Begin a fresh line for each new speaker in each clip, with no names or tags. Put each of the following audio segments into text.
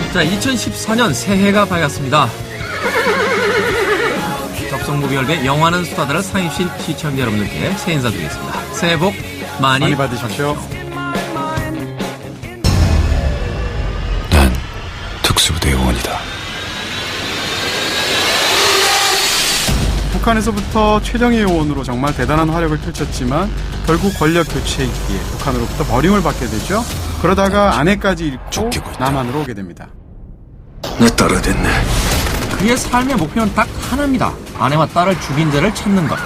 자, 2014년 새해가 밝았습니다. 접속무비열배 영화는 수다다를 상입신 시청자 여러분들께 새해 인사드리겠습니다. 새해 복 많이
받으십시오.
난 특수부대 요원이다.
북한에서부터 최정예 요원으로 정말 대단한 활약을 펼쳤지만 결국 권력 교체이기에 북한으로부터 버림을 받게 되죠. 그러다가 아내까지 잃고 남한으로 오게 됩니다.
내 딸이 됐네.
그의 삶의 목표는 딱 하나입니다. 아내와 딸을 죽인 자를 찾는 것.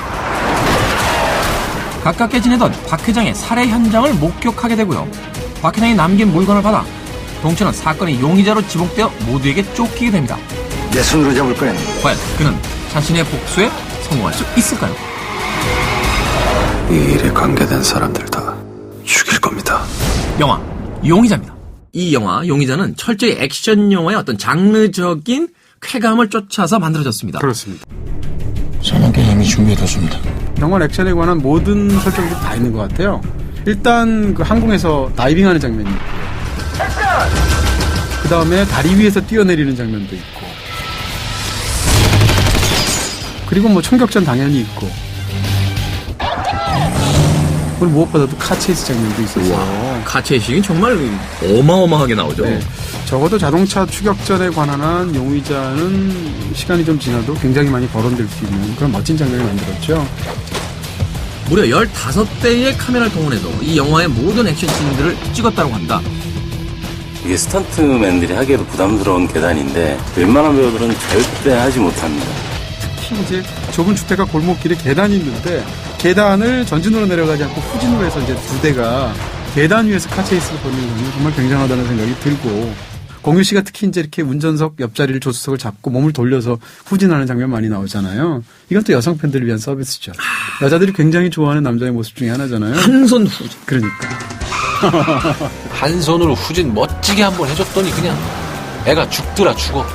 가깝게 지내던 박 회장의 살해 현장을 목격하게 되고요. 박 회장이 남긴 물건을 받아 동철은 사건의 용의자로 지목되어 모두에게 쫓기게 됩니다.
내 손으로 잡을 거야.
과연 그는 자신의 복수에 성공할 수 있을까요?
이 일에 관계된 사람들 다 죽일 겁니다.
영화 용의자입니다. 이 영화 용의자는 철저히 액션 영화의 어떤 장르적인 쾌감을 쫓아서 만들어졌습니다.
그렇습니다.
사냥개 이미 준비해뒀습니다.
정말 액션에 관한 모든 설정들이 다 있는 것 같아요. 일단 그 항공에서 다이빙하는 장면이 있고요. 그 다음에 다리 위에서 뛰어내리는 장면도 있고, 그리고 뭐 총격전 당연히 있고, 그리고 무엇보다도 카체이스 장면도 있었어요.
카체이식은 정말 어마어마하게 나오죠.
네. 적어도 자동차 추격전에 관한 한 용의자는 시간이 좀 지나도 굉장히 많이 거론될 수 있는 그런 멋진 장면을 만들었죠.
무려 15대의 카메라를 동원해서 이 영화의 모든 액션씬들을 찍었다고 합니다.
이게 스턴트맨들이 하기에도 부담스러운 계단인데 웬만한 배우들은 절대 하지 못합니다.
특히 이제 좁은 주택가 골목길에 계단이 있는데 계단을 전진으로 내려가지 않고 후진으로 해서 이제 두 대가 계단 위에서 카체이스를 벌이는 장면이 정말 굉장하다는 생각이 들고, 공유 씨가 특히 이제 이렇게 운전석 옆자리를 조수석을 잡고 몸을 돌려서 후진하는 장면 많이 나오잖아요. 이건 또 여성 팬들을 위한 서비스죠. 여자들이 굉장히 좋아하는 남자의 모습 중에 하나잖아요.
한 손 후진.
그러니까.
한 손으로 후진 멋지게 한번 해줬더니 그냥 애가 죽더라 죽어.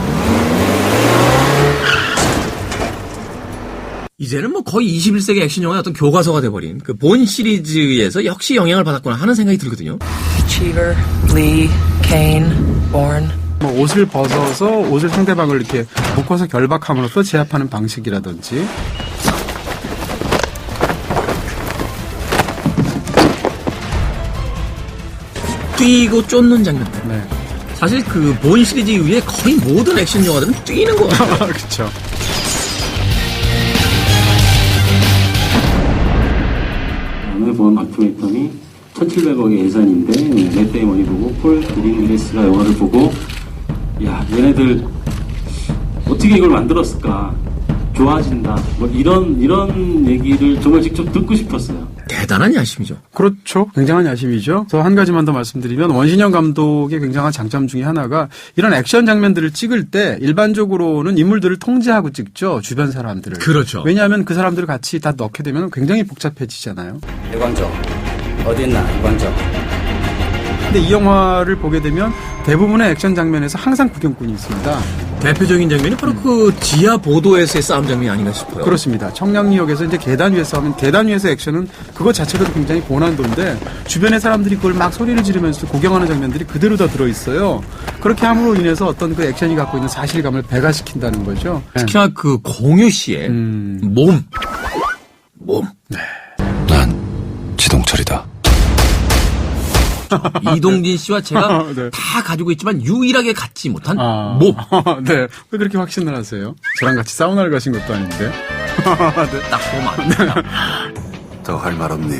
이제는 뭐 거의 21세기 액션 영화의 어떤 교과서가 돼버린 그 본 시리즈에서 역시 영향을 받았구나 하는 생각이 들거든요.
Cheever, Lee, Kane, Bourne.
뭐 옷을 벗어서 옷을 상대방을 이렇게 묶어서 결박함으로써 제압하는 방식이라든지,
뛰고 쫓는 장면들.
네.
사실 그 본 시리즈 이후에 거의 모든 액션 영화들은 뛰는 거 같아요.
그렇죠.
오늘 본 다큐멘터리 1,700억의 예산인데 맷 데이먼이 보고 폴 그린글래스가 영화를 보고 야 얘네들 어떻게 이걸 만들었을까, 좋아진다, 뭐 이런 얘기를 정말 직접 듣고 싶었어요.
대단한 야심이죠.
그렇죠. 굉장한 야심이죠. 저 한 가지만 더 말씀드리면, 원신영 감독의 굉장한 장점 중에 하나가 이런 액션 장면들을 찍을 때 일반적으로는 인물들을 통제하고 찍죠. 주변 사람들을.
그렇죠.
왜냐하면 그 사람들을 같이 다 넣게 되면 굉장히 복잡해지잖아요.
일광정 어디 있나 일광정.
근데 이 영화를 보게 되면 대부분의 액션 장면에서 항상 구경꾼이 있습니다.
대표적인 장면이 바로 그 지하 보도에서의 싸움 장면이 아닌가 싶어요.
그렇습니다. 청량리역에서 이제 계단 위에서 하면, 계단 위에서 액션은 그것 자체로도 굉장히 고난도인데 주변의 사람들이 그걸 막 소리를 지르면서 구경하는 장면들이 그대로 다 들어있어요. 그렇게 함으로 인해서 어떤 그 액션이 갖고 있는 사실감을 배가시킨다는 거죠.
특히나 그 공유 씨의 몸.
난 지동철이다.
이동진 씨와 제가
네.
다 가지고 있지만 유일하게 갖지 못한
아.
몸.
네. 왜 그렇게 확신을 하세요? 저랑 같이 사우나를 가신 것도 아닌데. 네.
딱 보면 안
더 할 말 없니?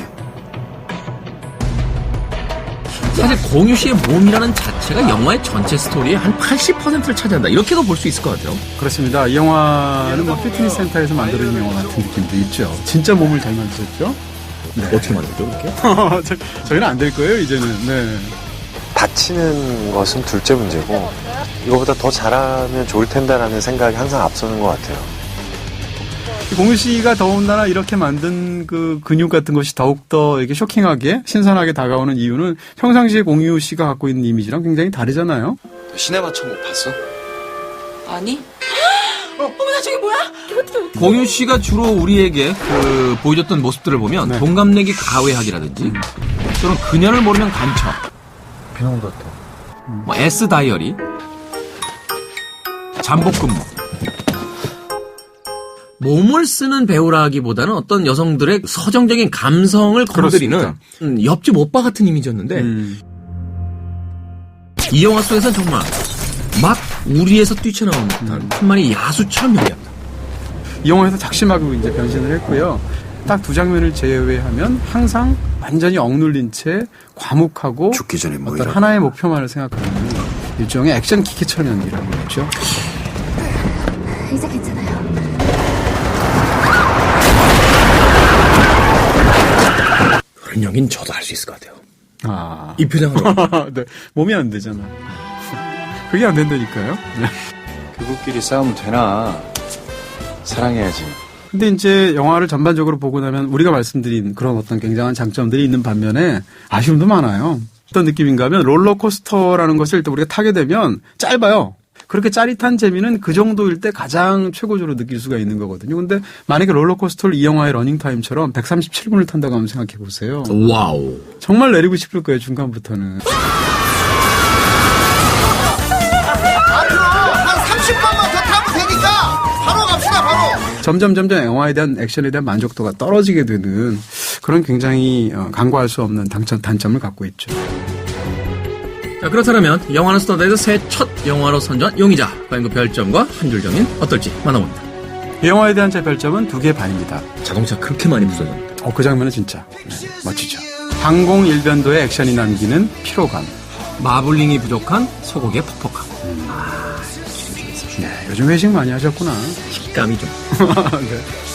사실 공유 씨의 몸이라는 자체가 영화의 전체 스토리의 한 80%를 차지한다. 이렇게도 볼 수 있을 것 같아요.
그렇습니다. 이 영화는 뭐 피트니스 센터에서 만들어진 영화 같은 느낌도 있죠. 진짜 몸을 잘 만드셨죠? 네.
어떻게 만들죠, 그렇게?
저희는 안 될 거예요, 이제는. 네.
다치는 것은 둘째 문제고 이거보다 더 잘하면 좋을 텐데라는 생각이 항상 앞서는 것 같아요.
공유 씨가 더군다나 이렇게 만든 그 근육 같은 것이 더욱더 이렇게 쇼킹하게, 신선하게 다가오는 이유는 평상시에 공유 씨가 갖고 있는 이미지랑 굉장히 다르잖아요.
시네마 천국 봤어?
아니? 어머나 저게 뭐야?
공유 씨가 주로 우리에게 그 보여줬던 모습들을 보면
네.
동갑내기 가외학이라든지 또는 그녀를 모르면 간첩,
비농 같아.
뭐 S 다이어리, 잠복 근무. 몸을 쓰는 배우라기보다는 어떤 여성들의 서정적인 감성을 건드리는 옆집 오빠 같은 이미지였는데 이 영화 속에서는 정말 막 우리에서 뛰쳐나오는 듯한 한 마리 야수처럼 연기합니다.
이 영화에서 작심하고 이제 변신을 했고요. 딱 두 장면을 제외하면 항상 완전히 억눌린 채 과묵하고
죽기 전에 뭐
어떤
이런
하나의 목표만을 생각하는 일종의 액션 기계처럼 연기를 하고 있죠.
이제 괜찮아요.
그런 연기는 저도 할 수 있을 것 같아요.
아.
이 표정으로.
네. 몸이 안 되잖아. 그게 안 된다니까요. 네.
그들끼리 싸우면 되나? 사랑해야지.
근데 이제 영화를 전반적으로 보고 나면 우리가 말씀드린 그런 어떤 굉장한 장점들이 있는 반면에 아쉬움도 많아요. 어떤 느낌인가 하면 롤러코스터라는 것을 일단 우리가 타게 되면 짧아요. 그렇게 짜릿한 재미는 그 정도일 때 가장 최고조로 느낄 수가 있는 거거든요. 근데 만약에 롤러코스터를 이 영화의 러닝타임처럼 137분을 탄다고 하면 생각해 보세요.
와우.
정말 내리고 싶을 거예요, 중간부터는.
앞으로 한 30번만 더 타면 되니까 바로 갑시다, 바로.
점점 영화에 대한 액션에 대한 만족도가 떨어지게 되는 그런 굉장히 간과할 수 없는 단점을 갖고 있죠.
자, 그렇다면 영화는 스타드에서 새 첫 영화로 선정한 용의자. 과연 그 별점과 한 줄 정의는 어떨지 만나봅니다.
이 영화에 대한 제 별점은 2개 반입니다.
자동차 그렇게 많이 부서졌는데.
그 장면은 진짜 멋지죠. 항공 일변도의 액션이 남기는 피로감.
마블링이 부족한 소고기의 퍽퍽함. 기름이 있어.
네, 요즘 회식 많이 하셨구나.
식감이 좀.
네.